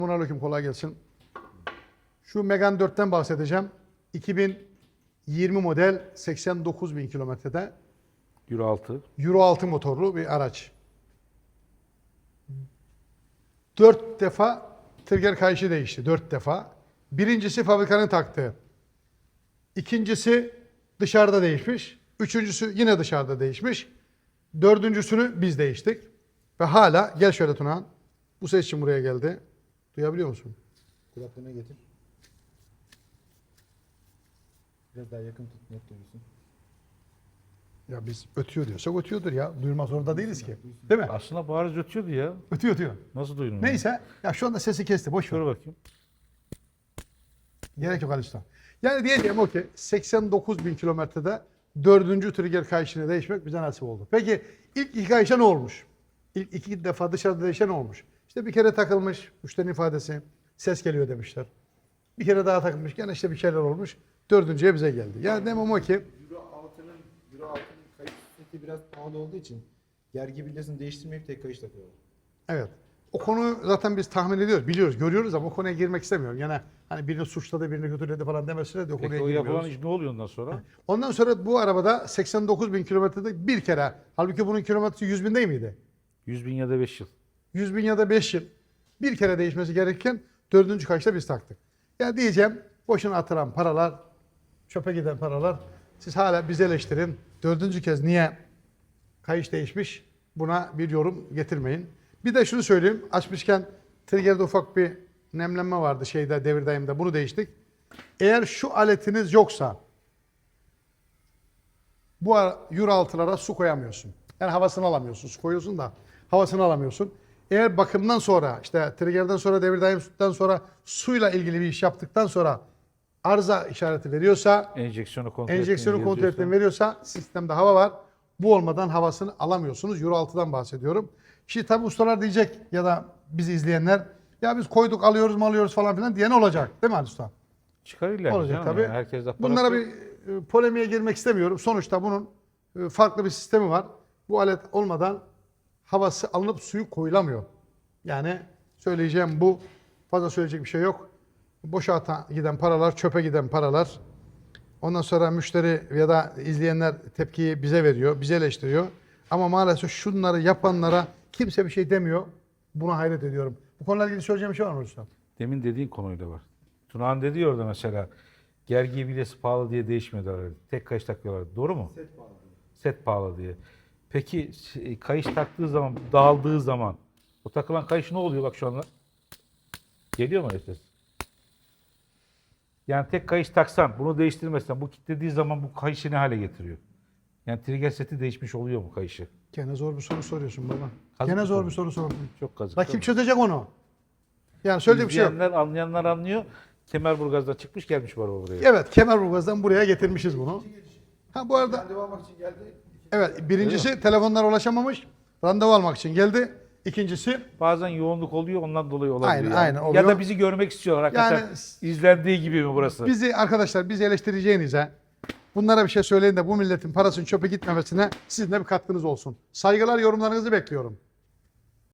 Selamünaleyküm, kolay gelsin. Şu Megane 4'ten bahsedeceğim. 2020 model 89.000 kilometrede. Euro 6. Euro 6 motorlu bir araç. 4 defa trigger kayışı değişti. 4 defa. Birincisi fabrikanın taktığı. İkincisi dışarıda değişmiş. Üçüncüsü yine dışarıda değişmiş. Dördüncüsünü biz değiştik. Ve hala, gel şöyle Tunahan. Bu ses için buraya geldi. Duyabiliyor musun? Kulaklığına getir. Biraz daha yakın tut, net duyulsun. Ya biz ötüyor diyorsak ötüyordur ya. Duyurmak zorunda değiliz ki. Değil mi? Aslında bariz ötüyordu ya. Ötüyor ötüyor. Nasıl duydun? Neyse. Ya şu anda sesi kesti. Boş ver. Şöyle bakayım. Gerek yok Alistan. Yani diyeceğim o ki 89.000 kilometrede 4. trigger kayışını değişmek bize nasip oldu. Peki ilk iki kayışa ne olmuş? İlk iki defa dışarıda değişen ne olmuş? İşte bir kere takılmış, müşterinin ifadesi, ses geliyor demişler. Bir kere daha takılmış, gene işte bir şeyler olmuş. Dördüncüye bize geldi. Yani demem o ki Euro 6'nın kayış seti biraz pahalı olduğu için gergi bilyasını değiştirmeyip tek kayış takıyorlar. evet. O konu zaten biz tahmin ediyoruz, biliyoruz, görüyoruz ama o konuya girmek istemiyorum. Yani hani birini suçladı, birini kötüledi falan demesine de o konuya Peki o girmiyoruz. yapılan iş ne oluyor ondan sonra? Ondan sonra bu arabada 89.000 kilometrede bir kere, halbuki bunun kilometresi 100.000 değil miydi? 100.000 ya da 5 yıl. 100.000 ya da 5 yıl bir kere değişmesi gerekirken 4. kayışta biz taktık. Ya diyeceğim, boşuna atılan paralar, çöpe giden paralar, siz hala bizi eleştirin. 4. kez niye kayış değişmiş, buna bir yorum getirmeyin. Bir de şunu söyleyeyim, açmışken trigger'de ufak bir nemlenme vardı devir daimde, bunu değiştik. Eğer şu aletiniz yoksa bu Euro 6'lara su koyamıyorsun. Yani havasını alamıyorsun. Su koyuyorsun da havasını alamıyorsun. Eğer bakımdan sonra, işte trigger'den sonra, devir daimden sonra suyla ilgili bir iş yaptıktan sonra arıza işareti veriyorsa, Enjeksiyonu kontrol ettiğini veriyorsa sistemde hava var. Bu olmadan havasını alamıyorsunuz. Euro 6'dan bahsediyorum. Şimdi tabi ustalar diyecek ya da bizi izleyenler, ya biz koyduk alıyoruz mu alıyoruz falan filan diyen olacak. Değil mi Ali Usta? Çıkar illa. Olacak tabii. Yani. Herkes de Bunlara bir polemiğe girmek istemiyorum. Sonuçta bunun farklı bir sistemi var. Bu alet olmadan havası alınıp suyu koyulamıyor. Yani söyleyeceğim bu. Fazla söyleyecek bir şey yok. Boşa giden paralar, çöpe giden paralar. Ondan sonra müşteri ya da izleyenler tepkiyi bize veriyor, bize eleştiriyor. Ama maalesef şunları yapanlara kimse bir şey demiyor. Buna hayret ediyorum. Bu konuyla ilgili söyleyeceğim bir şey var mı Usta? Demin dediğin konuyla var. Tunağan dedi ya orada mesela, gergi bilyası pahalı diye değişmiyorlar. Tek kayış takıyorlar. Doğru mu? Set pahalı. Set pahalı diye. Peki kayış taktığı zaman, dağıldığı zaman o takılan kayış ne oluyor bak şu anda? Geliyor mu ses? Yani tek kayış taksan, bunu değiştirmezsen, bu kilitlediği zaman bu kayışı ne hale getiriyor? Yani trigger seti değişmiş oluyor mu kayışı? Gene zor bir soru soruyorsun baba. Kazık Gene zor soru. bir soru sordun. Çok kazık. La kim çözecek onu? Yani söylediğim bir şey yok. İzleyenler, anlayanlar anlıyor. Kemerburgaz'dan çıkmış gelmiş var o buraya. Evet, Kemerburgaz'dan buraya getirmişiz bunu. Ha bu arada Randevu almak için geldi. evet, birincisi telefonlara ulaşamamış. Randevu almak için geldi. İkincisi Bazen yoğunluk oluyor, ondan dolayı olabiliyor. Aynen, yani. aynen oluyor. Ya da bizi görmek istiyorlar hakikaten. Yani İzlendiği gibi mi burası? bizi eleştireceğinize bunlara bir şey söyleyin de bu milletin parasının çöpe gitmemesine sizin de bir katkınız olsun. Saygılar, yorumlarınızı bekliyorum.